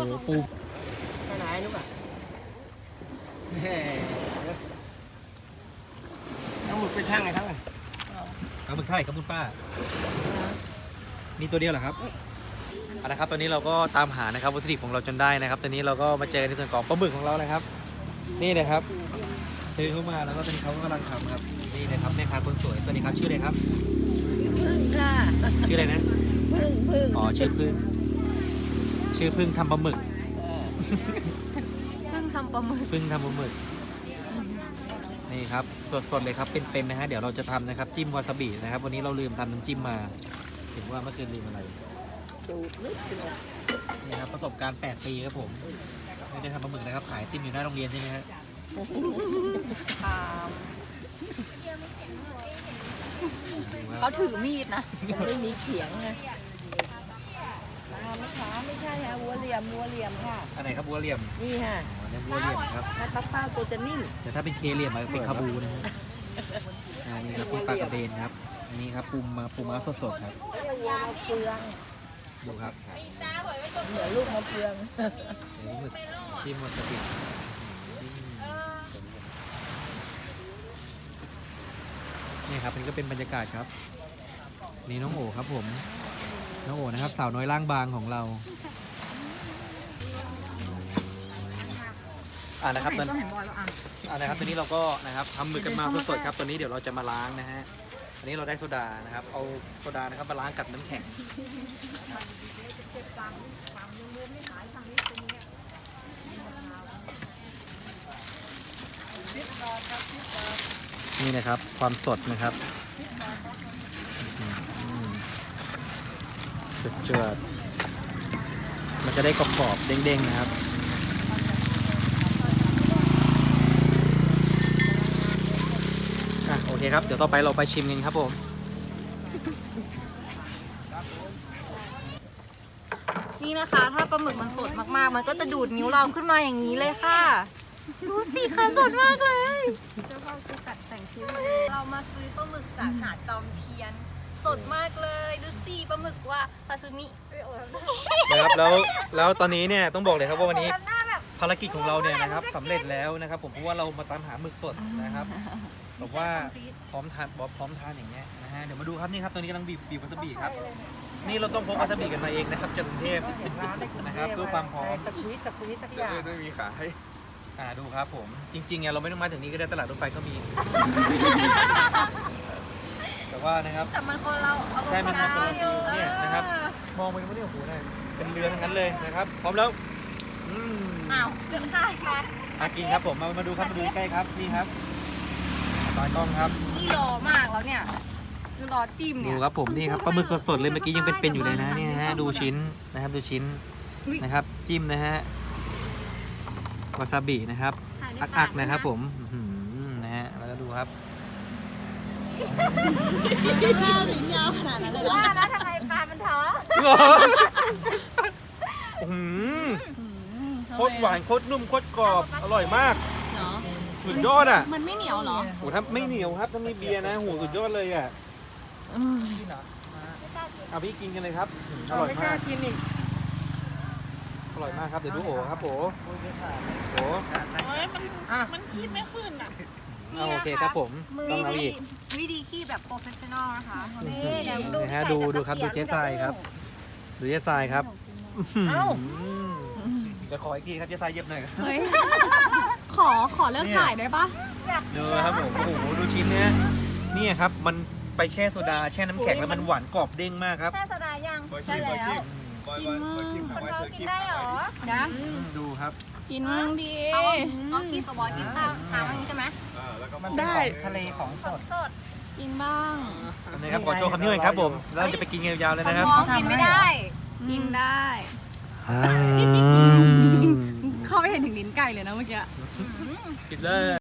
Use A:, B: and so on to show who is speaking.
A: ปู
B: ไปไหนนุ๊กอ่ะเอาหมึกไปช่างไงทั้งนั้นเอาหมึกไทยครับคุณป้ามีตัวเดียวเหรอครับเอาละครับตอนนี้เราก็ตามหานะครับวัตถุดิบของเราจนได้นะครับตอนนี้เราก็มาเจอในส่วนของปลาหมึกของเรานะครับ นี่นะครับซื้อเข้ามาแล้วก็ตอนนี้เขากำลังทำครับนี่นะครับแม่ค้าคนสวยสวัสดีครับชื่ออะไรครับ
C: พึ่งค่ะ
B: ชื่ออะไรนะ
C: พึ่ง
B: อ๋อชื่อพึ่งทำปลาหมึก
C: พึ่งทำปลาหมึก
B: พึ่งทำปลาหมึกนี่ครับสดๆเลยครับเป็นๆนะฮะเดี๋ยวเราจะทำนะครับจิ้มวาซาบินะครับวันนี้เราลืมทำน้ำจิ้มมาถึงว่าเมื่อคืนลืมอะไร
C: สูตรนิดเดียว
B: นี่ครับประสบการณ์8 ปีครับผมไม่ได้ทำปลาหมึกนะครับขายติมอยู่หน้าโรงเรียนใช่ไหมฮะ
C: เขาถือมีดนะ
D: ไม่มีเขียงไงปลาไม่ขาไม่ใช่ฮะวัวเหลี่ยมค่ะ
B: อันไหนครับบัวเหลี่ยม
D: นี่ฮะ
B: อ๋อเนี่ยบัวเหลี่ยมครับ
D: ถ้าปลาเป้าตัวจะนิ่ม
B: แต่ถ้าเป็นเคเหลี่ยมมันเป็นคาบูนะฮะนี่ครับเป็นปลากระเบนครับอันนี่ครับปูม้าสดๆครับ
D: เรียกวัวมาเฟือง
B: ดูครับ
D: เหมือนลูกมาเฟือง
B: เดี๋ยวหมึกจิ้มวาซาบินี่ครับอันนี้ก็เป็นบรรยากาศครับนี่น้องโอครับผมน้องโอนะครับสาวน้อยร่างบางของเรานะครับตอนนะครับตอนนี้เราก็นะครับทำหมึกกันมาสดๆครับตอนนี้เดี๋ยวเราจะมาล้างนะฮะอันนี้เราได้โซดานะครับเอาโซดานะครับมาล้างกับน้ำแข็งนี่นะครับความสดนะครับเจือดๆมันจะได้กรอบๆเด้งๆนะครับโอเคครับเดี๋ยวต่อไปเราไปชิมกันครับผม
C: นี่นะคะถ้าปลาหมึกมันสดมากๆ มันก็จะดูดนิ้วเราขึ้นมาอย่างนี้เลยค่ะดูสิค่ะสดมากเลยเจ้าพ่อคือตัดแต่งคิ้วเรามาซื้อปลาหมึกจากหาดจอมเทียน สดมากเลยดูสิปลาหมึกว่าซาซูมิ
B: นะครับแล้วตอนนี้เนี่ยต้องบอกเลยครับว่าวันนี้ภารกิจของเราเนี่ยนะครับสำเร็จแล้วนะครับผมเพราะว่าเรามาตามหาหมึกสดนะครับบอกว่าพร้อมทานอย่างเงี้ยนะฮะเดี๋ยวมาดูครับนี่ครับตอนนี้กำลังบีบวาซาบิครับนี่เราต้องพกวาซาบิกันมาเองนะครับจากกรุงเทพนะครับเพื่อความพร้อม
D: ตะคุยสักอย่าง
E: ไม่มีขาย
B: ดูครับผมจริงๆเนี่ยเราไม่ต้องมาถึงนี้ก็ได้ตลาดรถไฟก็มี แต่ว่านะครับ
C: แต่มันคนเราเอา
B: ใช่มันคนละฟิลเนี่ยนะครับ มองไปก็ไม่ได้โอ้โหได้เป็นเรือทั้งนั้นเลยนะครับพร้อมแล้ว
C: อ้าวเกินค่าค่ะ
B: กินครับผมมาดูครับมาดูใกล้ครับนี่ครับตากล้องครับ
C: นี่รอมากแล้วเนี่ยคือรอจิ้ม
B: ดู
C: เนี่ย
B: ครับผมนี่ครับปลาหมึกสดๆเลยเมื่อกี้ยังเป็นๆอยู่เลยนะนี่ฮะดูชิ้นนะครับดูชิ้นนะครับจิ้มนะฮะวาซาบินะครับอักๆนะครับผมนะฮะแล้วก็ดูครับ
C: ยาวขนาดนั้นเลยว่าแล้วทำไมปลามันท้อง
B: โคตรหวานโคตรนุ่มโคตรกรอบอร่อยมาก
C: เนาะ
B: สุดยอดอ่ะ
C: มันไม่เหนียวเหรอ
B: โอ้ถ้าไม่เหนียวครับถ้ามีเบียร์นะโหสุดยอดเลยอ่ะเอาพี่กินกันเลยครับอร่อย
D: ไม่ก
B: มา
D: ล้าก กินอีก
B: อร่อยมากครับเดี๋ยวดูโอครับโอ
D: มันคิดไม่ขึ้นอ่ะ
B: โอเคครับผม
C: มือ
B: ต้องเอาอีก
C: วิธีขี้แบบโปรเฟชชั่นอลนะคะนี่
B: นะฮะดูครับดูเจ๊ทรายครับดูเจ๊ทรายครับเดี๋ยวขออีกทีครับเจ๊ทรายเย็บหน่อย
C: เฮ้ยขอเลิกถ่ายได้ปะ
B: ดูครับผมโอ้โหดูชิ้นเนี้ยนี่ครับมันไปแช่โซดาแช่น้ำแข็งแล้วมันหวานกรอบเด้งมากครับ
C: แช่โซดายัง
E: ใช่แล้วบอยคิม
C: คนเรากินได้เหรอนะ
B: ดูครับ
C: กินมั่งดีเอากินกับบอยกินข้าวทางนี้ใช่ไหม
E: แล้วก็
B: มันได้ทะเลของสด
C: สดกินบ้าง
B: นะครับขอโชว์คำนี้หน่อยครับผมแล้วจะไปกินยาวๆเลยนะครับ
C: มองกินไม่ได้กินได้ เข้าไปเห็นถึงลิ้นไก่เลยนะเมื่อกี้
B: กินเลย